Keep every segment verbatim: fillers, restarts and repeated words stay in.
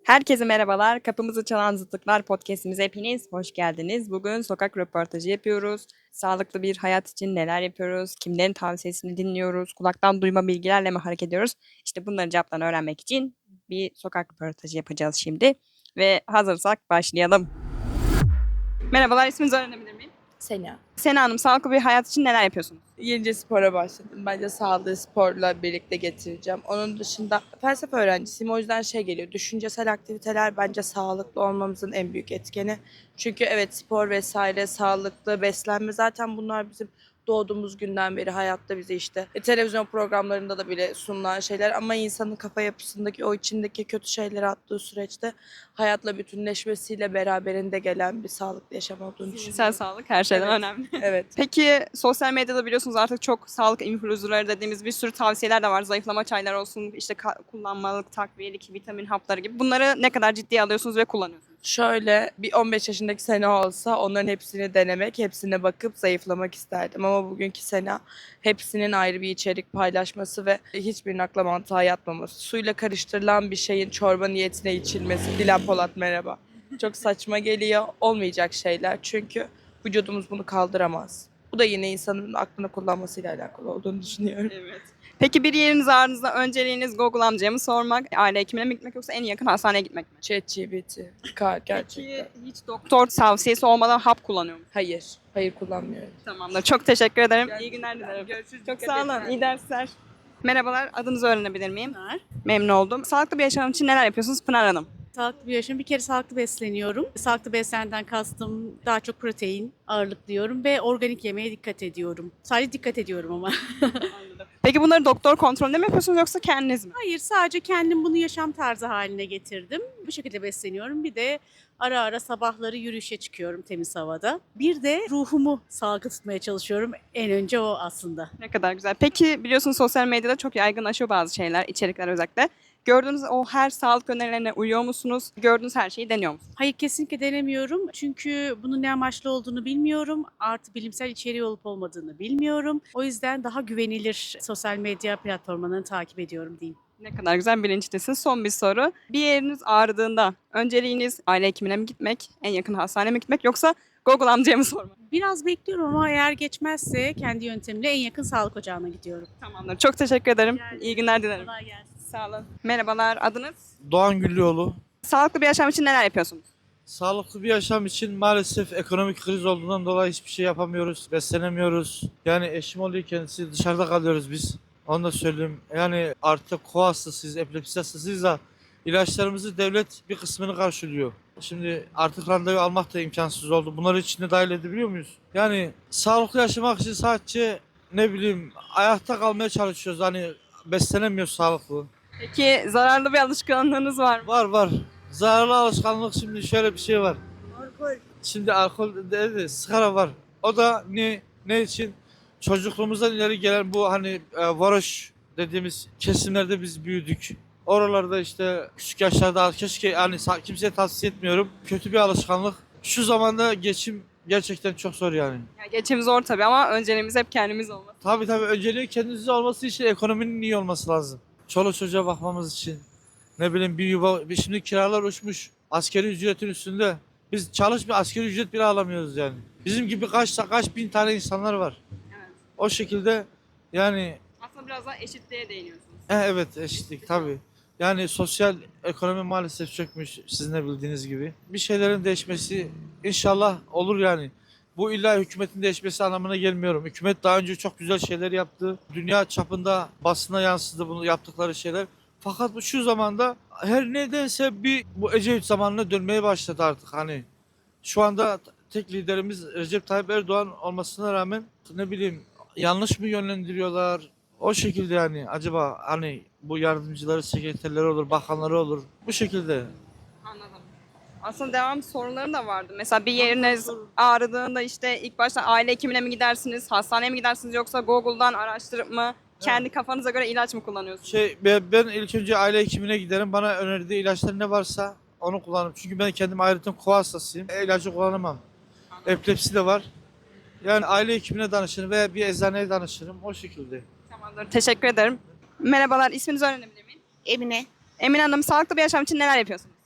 Herkese merhabalar. Kapımızı çalan zıtlıklar podcast'imize hepiniz hoş geldiniz. Bugün sokak röportajı yapıyoruz. Sağlıklı bir hayat için neler yapıyoruz? Kimlerin tavsiyesini dinliyoruz? Kulaktan duyma bilgilerle mi hareket ediyoruz? İşte bunları cevaplarını öğrenmek için bir sokak röportajı yapacağız şimdi. Ve hazırsak başlayalım. Merhabalar, isminizi öğrenebilir miyim? Sena. Sena Hanım, sağlıklı bir hayat için neler yapıyorsunuz? Yenice spora başladım. Bence sağlığı sporla birlikte getireceğim. Onun dışında felsefe öğrencisiyim. O yüzden şey geliyor. Düşüncesel aktiviteler bence sağlıklı olmamızın en büyük etkeni. Çünkü evet spor vesaire, sağlıklı beslenme zaten bunlar bizim doğduğumuz günden beri hayatta bize işte e, televizyon programlarında da bile sunulan şeyler ama insanın kafa yapısındaki o içindeki kötü şeyleri attığı süreçte hayatla bütünleşmesiyle beraberinde gelen bir sağlıklı yaşam olduğunu Zihinsel düşünüyorum. sağlık her şeyden Evet. önemli. Evet. Peki sosyal medyada biliyorsunuz artık çok sağlık influencerları dediğimiz bir sürü tavsiyeler de var. Zayıflama çayları olsun, işte ka- kullanmalık takviyelik vitamin hapları gibi. Bunları ne kadar ciddiye alıyorsunuz ve kullanıyorsunuz? Şöyle bir on beş yaşındaki Sena olsa onların hepsini denemek, hepsine bakıp zayıflamak isterdim. Ama bugünkü Sena hepsinin ayrı bir içerik paylaşması ve hiçbirinin akla mantığa yatmaması. Suyla karıştırılan bir şeyin çorba niyetine içilmesi. Dilan Polat merhaba. Çok saçma geliyor. Olmayacak şeyler. Çünkü vücudumuz bunu kaldıramaz. Bu da yine insanın aklını kullanmasıyla alakalı olduğunu düşünüyorum. Evet. Peki bir yeriniz ağrınızda önceliğiniz Google amcaya mı sormak, aile hekimine mi gitmek yoksa en yakın hastaneye gitmek mi? ChatGPT. Ka- Gerçekten. Peki hiç doktor tavsiyesi olmadan hap kullanıyor musunuz? Hayır. Hayır kullanmıyorum. Tamamdır. Çok teşekkür ederim. İyi günler Gerçekten. dilerim. Görüşürüz. Çok Dikkat sağ edin. olun. İyi dersler. Merhabalar. Adınızı öğrenebilir miyim? Pınar. Memnun oldum. Sağlıklı bir yaşam için neler yapıyorsunuz Pınar Hanım? Sağlıklı bir yaşam. Bir kere sağlıklı besleniyorum. Sağlıklı beslenenden kastım daha çok protein ağırlıklı yiyorum ve organik yemeğe dikkat ediyorum. Sadece dikkat ediyorum ama. Peki bunları doktor kontrolünde mi yapıyorsunuz yoksa kendiniz mi? Hayır, sadece kendim bunu yaşam tarzı haline getirdim. Bu şekilde besleniyorum. Bir de ara ara sabahları yürüyüşe çıkıyorum temiz havada. Bir de ruhumu sağlıklı tutmaya çalışıyorum. En önce o aslında. Ne kadar güzel. Peki biliyorsunuz sosyal medyada çok yaygınlaşıyor bazı şeyler, içerikler özellikle. Gördüğünüz o her sağlık önerilerine uyuyor musunuz? Gördüğünüz her şeyi deniyor musunuz? Hayır, kesinlikle denemiyorum. Çünkü bunun ne amaçlı olduğunu bilmiyorum. Artı bilimsel içeriği olup olmadığını bilmiyorum. O yüzden daha güvenilir sosyal medya platformlarını takip ediyorum diyeyim. Ne kadar güzel bilinçlisin. Son bir soru. Bir yeriniz ağrıdığında önceliğiniz aile hekimine mi gitmek, en yakın hastaneye mi gitmek yoksa Google amcaya mı sormak? Biraz bekliyorum ama eğer geçmezse kendi yöntemimle en yakın sağlık ocağına gidiyorum. Tamamdır. Çok teşekkür ederim. Rica ederim. İyi günler dilerim. Kolay gelsin. Sağ olun. Merhabalar. Adınız? Doğan Güllüoğlu. Sağlıklı bir yaşam için neler yapıyorsunuz? Sağlıklı bir yaşam için maalesef ekonomik kriz olduğundan dolayı hiçbir şey yapamıyoruz, beslenemiyoruz. Yani eşim oluyor kendisi, dışarıda kalıyoruz biz. Onu da söyleyeyim. Yani artık koa hastasıyız, epilepsi hastasıyız da ilaçlarımızı devlet bir kısmını karşılıyor. Şimdi artık randevu almak da imkansız oldu. Bunları içinde dahil edebiliyor muyuz? Yani sağlıklı yaşamak için sadece ne bileyim ayakta kalmaya çalışıyoruz. Hani beslenemiyoruz sağlıklı. Peki zararlı bir alışkanlığınız var mı? Var var. Zararlı alışkanlık şimdi şöyle bir şey var. Şimdi alkol dedi, sigara var. O da ne ne için? Çocukluğumuzdan ileri gelen bu hani e, varoş dediğimiz kesimlerde biz büyüdük. Oralarda işte küçük yaşlarda keşke yani sa- kimseye tavsiye etmiyorum. Kötü bir alışkanlık. Şu zamanda geçim gerçekten çok zor yani. Ya geçim zor tabii ama önceliğimiz hep kendimiz olmalı. Tabii tabii önceliği kendinize olması için ekonominin iyi olması lazım. Çoluk çocuğa bakmamız için. Ne bileyim bir yuva, bir şimdi kiralar uçmuş. Askeri ücretin üstünde. Biz çalışmıyor askeri ücret bile alamıyoruz yani. Bizim gibi kaç kaç bin tane insanlar var. Evet. O şekilde yani Aslında biraz daha eşitliğe değiniyorsunuz. e, evet eşitlik tabii. Yani sosyal ekonomi maalesef çökmüş sizin de bildiğiniz gibi. Bir şeylerin değişmesi inşallah olur yani. Bu illa hükümetin değişmesi anlamına gelmiyorum. Hükümet daha önce çok güzel şeyler yaptı. Dünya çapında basına yansıdı bunu yaptıkları şeyler. Fakat bu şu zamanda her nedense bir bu Ecevit zamanına dönmeye başladı artık hani. Şu anda tek liderimiz Recep Tayyip Erdoğan olmasına rağmen ne bileyim yanlış mı yönlendiriyorlar? O şekilde yani acaba hani bu yardımcıları, sekreterleri olur, bakanları olur. Bu şekilde. Anladım. Aslında devam sorularım da vardı. Mesela bir yeriniz ağrıdığında işte ilk başta aile hekimine mi gidersiniz, hastaneye mi gidersiniz yoksa Google'dan araştırıp mı kendi kafanıza göre ilaç mı kullanıyorsunuz? Şey ben ben ilk önce aile hekimine giderim. Bana önerdiği ilaçlar ne varsa onu kullanırım. Çünkü ben kendim ayrıca koa hastasıyım. E, ilacı kullanamam. Epilepsi de var. Yani aile hekimine danışırım veya bir eczaneye danışırım. O şekilde. Tamamdır. Teşekkür ederim. Merhabalar. İsminizi öğrenebilir miyim? Emine. Emine Hanım, sağlıklı bir yaşam için neler yapıyorsunuz?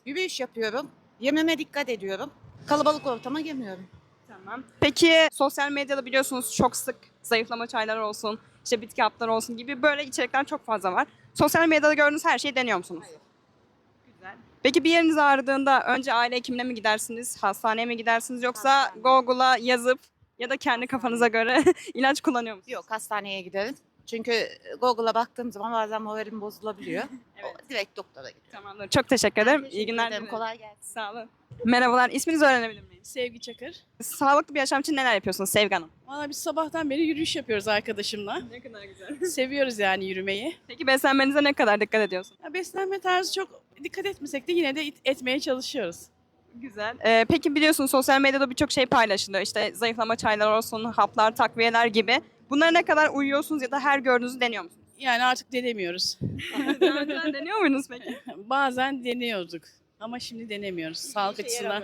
Yürüyüş yapıyorum. Yememe dikkat ediyorum. Kalabalık ortama girmiyorum. Tamam. Peki sosyal medyada biliyorsunuz çok sık zayıflama çayları olsun, işte bitki hapları olsun gibi böyle içerikler çok fazla var. Sosyal medyada gördüğünüz her şeyi deniyor musunuz? Hayır. Güzel. Peki bir yeriniz ağrıdığında önce aile hekimine mi gidersiniz, hastaneye mi gidersiniz yoksa Hastane. Google'a yazıp ya da kendi kafanıza göre ilaç kullanıyor musunuz? Yok, hastaneye giderim. Çünkü Google'a baktığım zaman bazen moralim bozulabiliyor. Evet. O, direkt doktora gidiyorum. Tamamdır. Çok teşekkür ederim. Teşekkür İyi günler ederim, dilerim. kolay gelsin. Sağ olun. Merhabalar. İsminizi öğrenebilir miyim? Sevgi Çakır. Sağlıklı bir yaşam için neler yapıyorsunuz Sevgi Hanım? Valla biz sabahtan beri yürüyüş yapıyoruz arkadaşımla. Ne kadar güzel. Seviyoruz yani yürümeyi. Peki beslenmenize ne kadar dikkat ediyorsunuz? Ya beslenme tarzı çok dikkat etmesek de yine de it- etmeye çalışıyoruz. Güzel. Ee, peki biliyorsunuz sosyal medyada birçok şey paylaşılıyor. İşte zayıflama çayları olsun, haplar, takviyeler gibi. Bunlara ne kadar uyuyorsunuz ya da her gördüğünüzü deniyor musunuz? Yani artık denemiyoruz. Daha önceden deniyor muydunuz peki? Bazen deniyorduk ama şimdi denemiyoruz. Sağlık açısından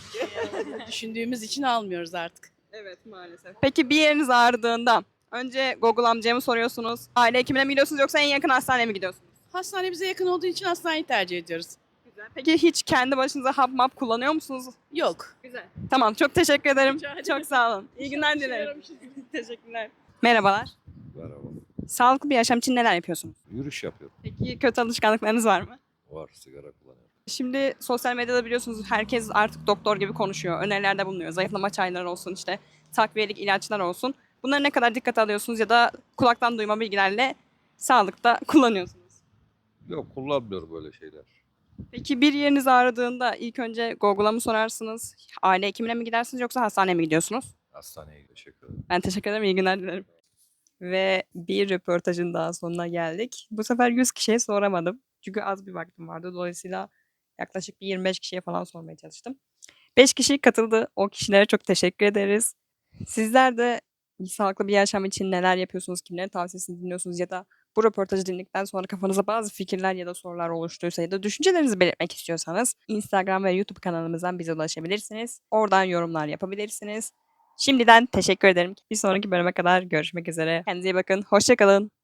düşündüğümüz için almıyoruz artık. Evet maalesef. Peki bir yeriniz ağrıdığında önce Google amcaya mı soruyorsunuz? Aile hekimine mi gidiyorsunuz yoksa en yakın hastaneye mi gidiyorsunuz? Hastane bize yakın olduğu için hastaneyi tercih ediyoruz. Güzel. Peki hiç kendi başınıza hap map kullanıyor musunuz? Yok. Güzel. Tamam çok teşekkür ederim. Rica ederim. Çok sağ olun. İyi günler İşe dilerim. yaramışız. Teşekkürler. Merhabalar. Merhaba. Sağlıklı bir yaşam için neler yapıyorsunuz? Yürüyüş yapıyorum. Peki kötü alışkanlıklarınız var mı? Var, sigara kullanıyorum. Şimdi sosyal medyada biliyorsunuz herkes artık doktor gibi konuşuyor. Önerilerde bulunuyor. Zayıflama çayları olsun işte takviyelik ilaçlar olsun. Bunları ne kadar dikkate alıyorsunuz ya da kulaktan duyma bilgilerle sağlıkta kullanıyorsunuz? Yok, kullanmıyorum böyle şeyler. Peki bir yeriniz ağrıdığında ilk önce Google'a mı sorarsınız? Aile hekimine mi gidersiniz yoksa hastaneye mi gidiyorsunuz? Hastaneye teşekkür ederim. Ben teşekkür ederim. İyi günler dilerim. Ve bir röportajın daha sonuna geldik. Bu sefer yüz kişiye soramadım. Çünkü az bir vaktim vardı. Dolayısıyla yaklaşık bir yirmi beş kişiye falan sormaya çalıştım. beş kişi katıldı. O kişilere çok teşekkür ederiz. Sizler de sağlıklı bir yaşam için neler yapıyorsunuz, kimlerin tavsiyesini dinliyorsunuz ya da bu röportajı dinledikten sonra kafanıza bazı fikirler ya da sorular oluştuysa ya da düşüncelerinizi belirtmek istiyorsanız Instagram ve YouTube kanalımızdan bize ulaşabilirsiniz. Oradan yorumlar yapabilirsiniz. Şimdiden teşekkür ederim. Bir sonraki bölüme kadar görüşmek üzere. Kendinize iyi bakın. Hoşça kalın.